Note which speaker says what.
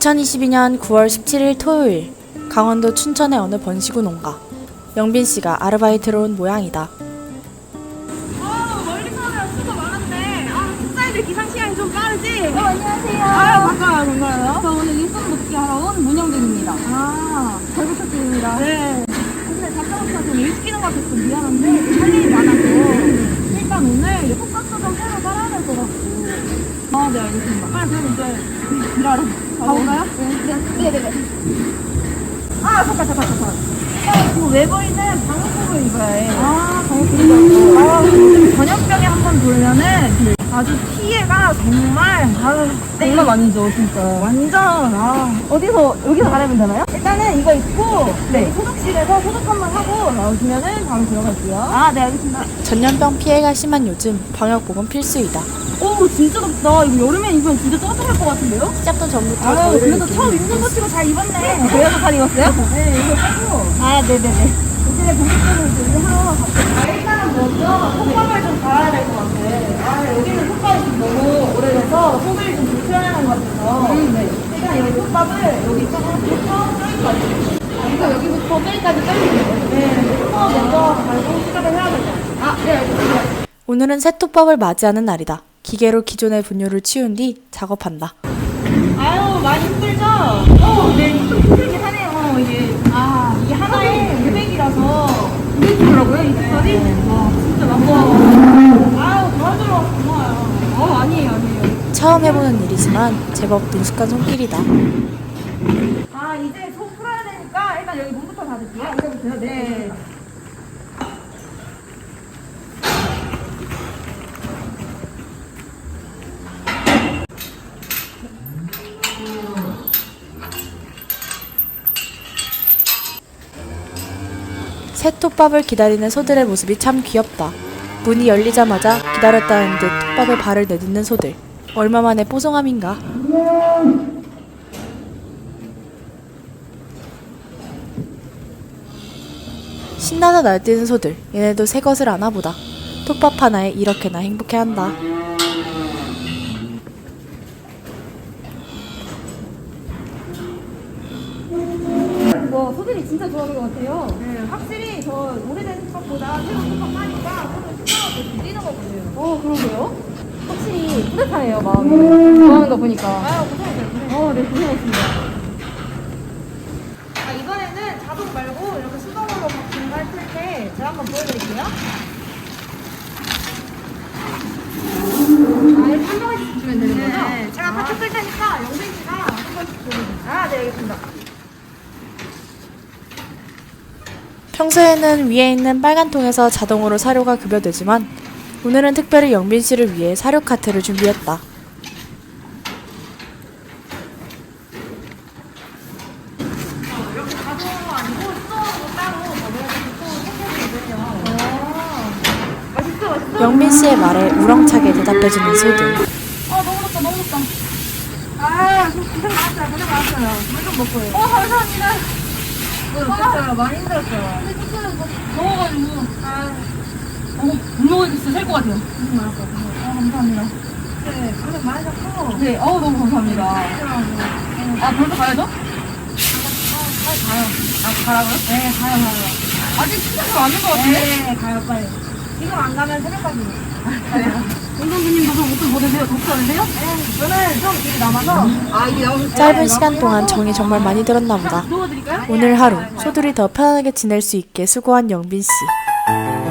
Speaker 1: 2022년 9월 17일 토요일, 강원도 춘천의 어느 번시구 농가. 영빈 씨가 아르바이트로 온 모양이다.
Speaker 2: 멀리서 오면 수고 많은데 식사애들 기상 시간이 좀 빠르지?
Speaker 3: 안녕하세요.
Speaker 2: 반가워요.
Speaker 3: 저 오늘 일손 돕기 하러 온 문영빈입니다. 잘 부탁드립니다.
Speaker 2: 네. 근데 잠깐부터 좀 일 시키는 것 같아서 좀 미안한데 할 일이 많아서 일단 오늘 톡박스 좀 새로 깔아야 될 것 같고. 네, 알겠습니다. 빨리 그럼 이제 일하러 가볼까요?
Speaker 3: 네네네.
Speaker 2: 잠깐. 이거 외벌이는 방역복을 입어야 해.
Speaker 3: 방역복을
Speaker 2: 전염병에 한 번 돌면은 아주 피해가 정말
Speaker 3: 장난 아니죠, 진짜.
Speaker 2: 완전 여기서 가려면 되나요? 일단은 이거 입고 소독실에서 소독 한번 하고 나오시면은 바로 들어갈게요. 네, 알겠습니다.
Speaker 1: 전염병 피해가 심한 요즘 방역복은 필수이다.
Speaker 2: 오, 진짜 덥다. 이거 여름에 입으면 진짜 따뜻할 것 같은데요?
Speaker 1: 시작도 전부터
Speaker 2: 그래도
Speaker 1: 더위를
Speaker 2: 처음
Speaker 1: 느끼는
Speaker 2: 입는 거
Speaker 1: 영빈 씨.
Speaker 2: 치고 잘 입었네. 대여섯 살 입었어요? 네, 이거 하고. 네네네. 이제 본격적으로 준비하러 갈게요. 일단은 먼저 톱밥을 좀 갈아야 될 것 같아. 여기는 톱밥이 좀 너무 오래돼서 손을 좀 불편해하는 것 같아서. 네. 일단 여기 톱밥을 여기 조금부터 여기까지. 이거 여기부터 빼기까지 빼주세요. 네. 톱밥 먼저 갈고 시작을 해야 될 것 같아요. 네, 알겠습니다.
Speaker 1: 오늘은 새톱밥을 맞이하는 날이다. 기계로 기존의 분뇨를 치운 뒤 작업한다.
Speaker 2: 많이 힘들죠? 네, 좀 힘들긴 하네요. 이게 하나에 200이라서 200이더라고요, 이 색깔이? 진짜 막 도와주러 고마워요. 아니에요.
Speaker 1: 처음 해보는 일이지만 제법 능숙한 손길이다.
Speaker 2: 이제 속 풀어야 되니까 일단 여기 문부터 닫을게요. 이제부터요? 네.
Speaker 1: 새톱밥을 기다리는 소들의 모습이 참 귀엽다. 문이 열리자마자 기다렸다는 듯 톱밥에 발을 내딛는 소들. 얼마만의 뽀송함인가. 신나서 날뛰는 소들. 얘네도 새 것을 아나 보다. 톱밥 하나에 이렇게나 행복해한다.
Speaker 3: 소들이 진짜 좋아하는 것 같아요.
Speaker 2: 네, 확실히 저 오래된 톱밥보다 새로운 톱밥 하니까 손을 신나고 뛰는 거 같아요.
Speaker 3: 그러게요. 확실히 뿌듯하네요, 마음이. 좋아하는 거 보니까.
Speaker 2: 고생했어요.
Speaker 3: 네, 고생하셨습니다.
Speaker 2: 이번에는 자동 말고 이렇게 수동으로 바뀐 걸 틀 때 제가 한번 보여드릴게요.
Speaker 3: 이렇게 한 명씩 주면 되는 거죠?
Speaker 2: 네, 제가 같이 쓸 테니까 영빈 씨가 한 번씩 보여주세요. 네, 알겠습니다.
Speaker 1: 평소에는 위에 있는 빨간 통에서 자동으로 사료가 급여되지만 오늘은 특별히 영빈 씨를 위해 사료 카트를 준비했다.
Speaker 2: 이렇게 자동으로 아니고 수동으로 따로 넣어야 되고 맛있어.
Speaker 1: 영빈 씨의 말에 우렁차게 대답해주는 소들.
Speaker 2: 너무 덥다. 고생 많았어요. 물 좀 먹고요. 감사합니다. 힘들었어요. 많이 힘들었어요.
Speaker 3: 더워가지고. 물 먹으니까 진짜 살 것 같아요.
Speaker 2: 감사합니다. 네, 고생 많으셨고.
Speaker 3: 네, 너무 감사합니다. 벌써 가야죠? 가라고요?
Speaker 2: 네, 가요.
Speaker 3: 아직 시간이 많은 것 같은데?
Speaker 2: 네, 가요, 빨리. 지금 안 가면 새벽까지.
Speaker 3: 운동부님도 좀 옷을 보내세요. 덥지 않으세요?
Speaker 2: 네, 저는 좀 길이 남아서.
Speaker 3: 이게 나오면
Speaker 1: 짧은 시간 동안 정이 정말 많이 들었나 보다.
Speaker 3: 도와드릴까요?
Speaker 1: 오늘 하루 소들이 더 편안하게 지낼 수 있게 수고한 영빈 씨.